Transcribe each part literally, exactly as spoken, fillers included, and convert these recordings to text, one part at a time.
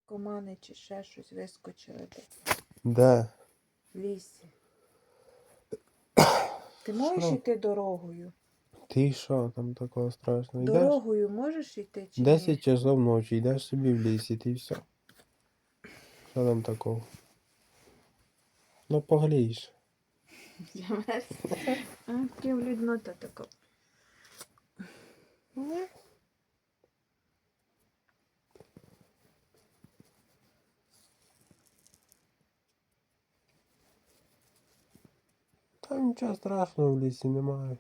наркомани чи ще щось вискочили десь Де? в лісі. Ти можеш Що? йти дорогою? Ти що там такого страшного? Йдеш? Дорогою можеш йти чи ні? Десять часов ночі, йдеш собі в лісі, ти все. Що там такого? Ну поглієш. Ким люднота така. Та нічого страшного в лісі немає.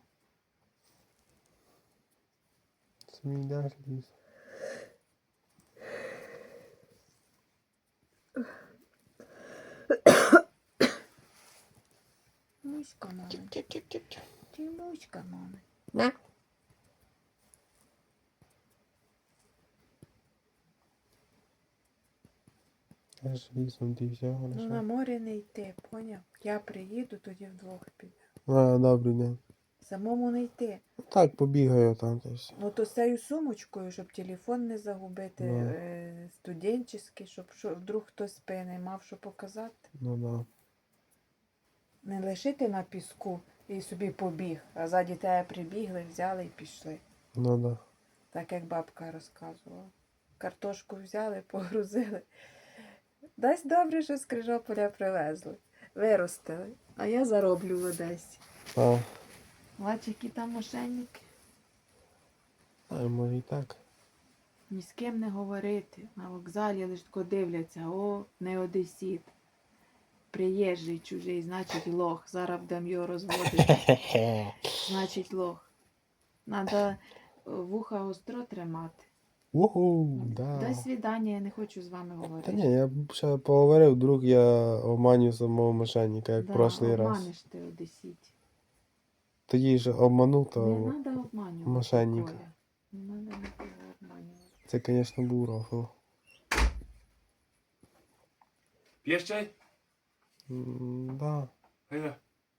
Собі йдеш в ліс. Муська, мама. Чіп-чіп-чіп-чіп. Ти муська, мама. На. Аж лісом ти все, Ну на хорошо. море не йти, поняв? Я приїду, тоді вдвох підемо. А, добрий день. Самому не йти. Так, побігаю там та й все. Ну то з цією сумочкою, щоб телефон не загубити, Ну. е, студентський, щоб що, вдруг хтось спини мав що показати. Ну да. Не лишити на піску і собі побіг, а ззаді тебе прибігли, взяли і пішли. Ну да. Так як бабка розказувала. Картошку взяли, погрузили. Дасть добре, що з Крижополя привезли. Виростили. А я зароблю в Одесі. А, Бач, які там мошенники. а може і так. Ні з ким не говорити. На вокзалі лиш тако дивляться. О, не одесіт. Приїжджий чужий, значить лох. Зараз будемо його розводити. Значить лох. Надо вуха остро тримати. Уху, да. До свидання, я не хочу з вами Та говорити. ні, я б ще поговорив, вдруг я обманю самого мошенника, як в прошлий раз. Обманеш ти одесіт. Тоді ж обманув, Не то треба обманювати. мошенника. Коля. Не треба нікого обманювати. Це, звісно, був рофл. П'єш чай? М, Да. Гайда.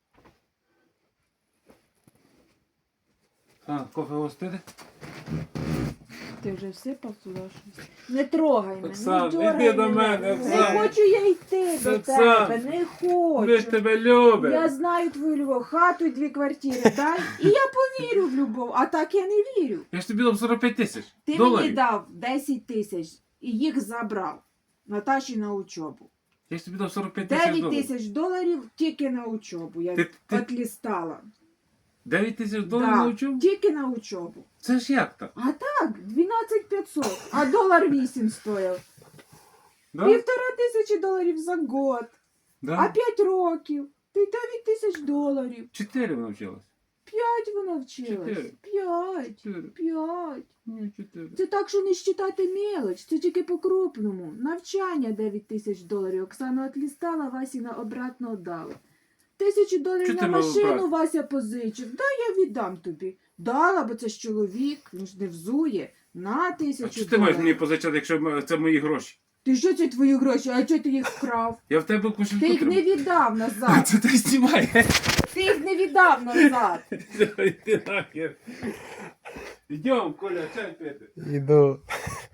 А, кофе гостити? Ти вже всипав туди щось? Не трогай мене, Оксан, не дьоргай іди до мене, Не Оксан. хочу я йти до Оксан. тебе, не Ми ж хочу. тебе любимо. Я знаю твою любов, хату і дві квартири дай, і я повірю в любов, а так я не вірю. Я ж тобі дав сорок п'ять тисяч Ти доларів. мені дав десять тисяч і їх забрав Наташі на учобу. Я ж тобі дав сорок п'ять тисяч дев'ять доларів. тисяч доларів тільки на учобу. Я Ти- ти- відлістала. дев'ять тисяч доларів Да, навчив? тільки на учобу. Це ж як так? А так, дванадцять п'ятсот, а долар вісім стояв. Да? Півтора тисячі доларів за год, а Да? п'ять років. Ти дев'ять тисяч доларів. Чотири навчилась. П'ять вона вчилась. Чотири. П'ять. Чотири. П'ять. Ні, чотири. Це так, що не считати мелоч, це тільки по-крупному. Навчання дев'ять тисяч доларів. Оксана отлістала, Васіна обратно віддала. Тисячу доларів Чого на ти мав машину брати? Вася позичив. Да, я віддам тобі. Дала, бо це ж чоловік, він ж не взує. На А тисячу що ти маєш доларів. мені позичати, якщо м- це мої гроші? Ти що це твої гроші? А чого ти їх вкрав? Я в тебе кошельку Ти їх не тримаю. віддав А назад. це ти знімає. Ти їх не віддав назад. Йди нахер. Йдем, Коля, чай пити. Іду.